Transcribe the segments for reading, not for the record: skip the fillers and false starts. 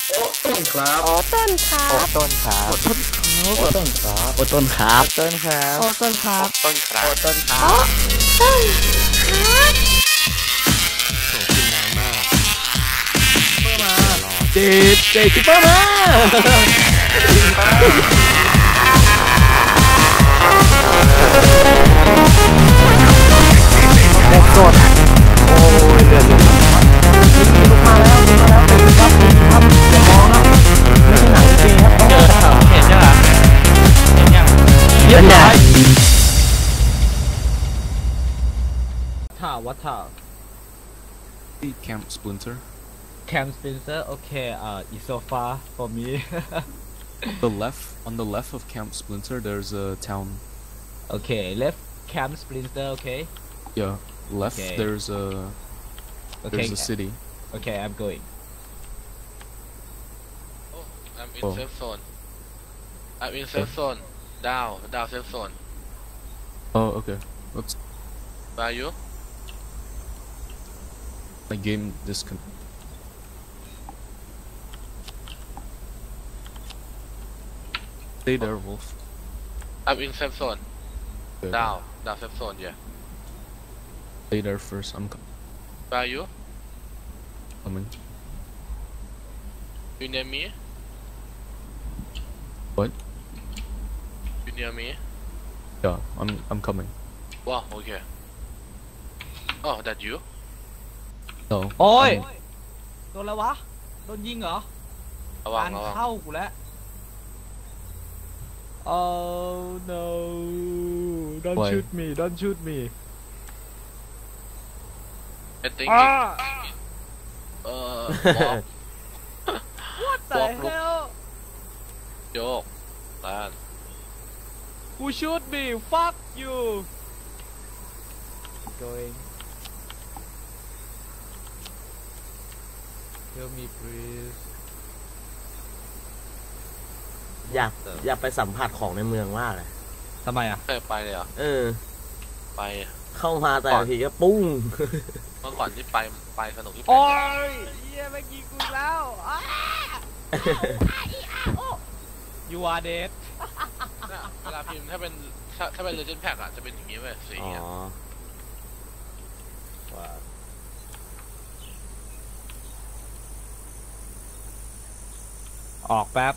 โอ้ต้นครับโอ้ต้นครัโอ้บต้นครับโอ้ต้นครับโอ้ต้นครับโอ้ต้นครับต้นครับโอ้ต้นครับต้นครัโอ้บต้นครัโอ้บต้นครับโอ้กินน้ำมากเพิ่มมาเจ็ดคิปเปอร์มาเด็กสดโอ้ยเลือดลงลุกมาแล้วลุกมาแล้วเป็นครับครับอย่ามองครับไม่ใช่หนังจริงครับเห็นยังอ่ะเห็นยังเยอะใหญ่ท่าวัดท่า Camp Splinter. Camp Spencer okay it's so far for me On the left of Camp Splinter, there's a town. okay left Camp Spencer okay Yeah, left. Okay. There's a okay city. okay I'm going I'm in Oh. safe zone I'm in safe zone down safe zone Oh, okay. What's where are you my game disconnect? Stay there, Wolf. I'm in safe zone Okay. down safe zone yeah Stay there first. I'm where are you coming. you near me What? you near me Yeah, I'm coming. wow okay oh that you No. โอ้ย I'm- โดนแล้ววะโดนยิงเหรอระวังงานระวังเข้ากูแล้ว Oh no don't Why? shoot me don't shoot me I think อ้า walk What the Walk, look. hell โยกด้าน Who shoot me fuck you going Tell me please อยากไปสัมผัสของในเมืองมากเลยทำไมอ่ะเคยไปเลยเหรอ ไปเข้ามาแต่ละทีก็ปุ้งเมื่อก่อนที่ไปสนุกที่ไปโอ้ยเหี้ยแม่งยิงกูอีกแล้วอ้า You are dead เนี่ยเวลาพิมพ์ถ้าเป็น Legend Pack อ่ะจะเป็นอย่างนี้เว้ยสีอ๋ออ่ะว่าออกแป๊บ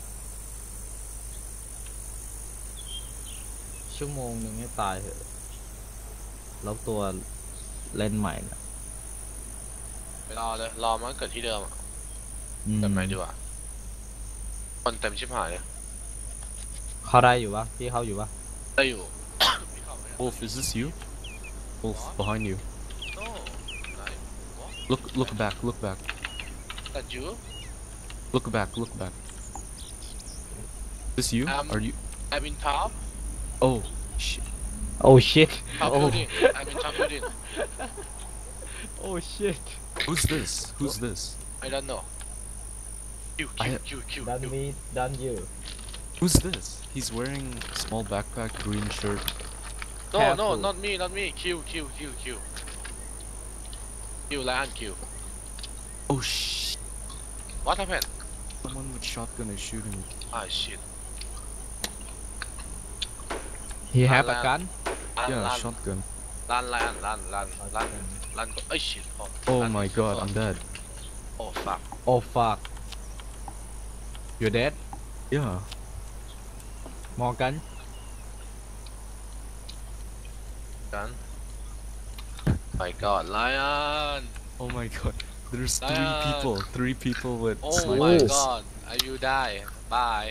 ชั่วโมงหนึ่งให้ตายเถอะแล้วตัวเล่นใหม่นะไปรอเลยรอมันเกิดที่เดิมอ่ะอืมเกิดใหม่ดีกว่าคนเต็มชิบหายเลยเข้าได้อยู่ปะพี่เข้าอยู่ปะได้อยู่ ไม่เข้าไม่ได้ Wolf, is this you? Wolf, behind you. No Look back. Look back. that you Look back. Look back. This you? Are you? I'm in top Oh, shit. Oh shit top Oh. building I'm in top building Oh shit Who's this? Who's this? I don't know Q Done me done you Who's this? He's wearing small backpack, green shirt. No Careful. not me Q Lion Q Oh shit! What happened Someone with shotgun is shooting me. ah shit He have a Alan. gun Yeah, run shotgun. รันเอ้ย shit Oh my god, I'm dead. oh fuck Oh fuck You dead Yeah. Morgan gun my god Lion Oh my god. There's Lion. Three people with oh snipers. my god I will die bye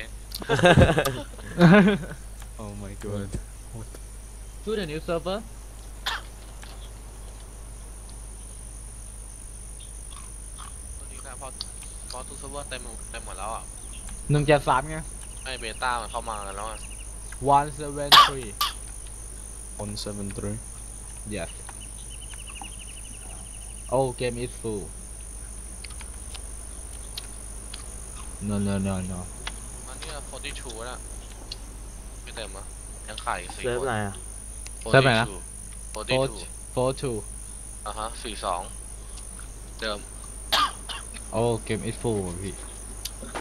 Oh my god. To the new server ตัวนี้นะพอทุกเซิร์ฟเวอร์เต็มหมดแล้วอ่ะ 1.3ไงไอเบต้ามันเข้ามาแล้วอ่ะ 173 173. Yes Oh game is full No อันนี้42นะไม่เต็มอ่ะยังไข่4 เซิร์ฟคนอะไรอ่ะเซิร์ฟไหนนะ 42 42 อ่ะฮะ42เดิม Oh game is full พี่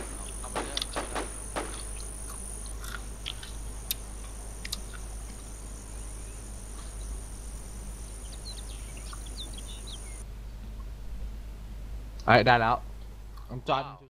ไอ้ได้แล้วจอห์น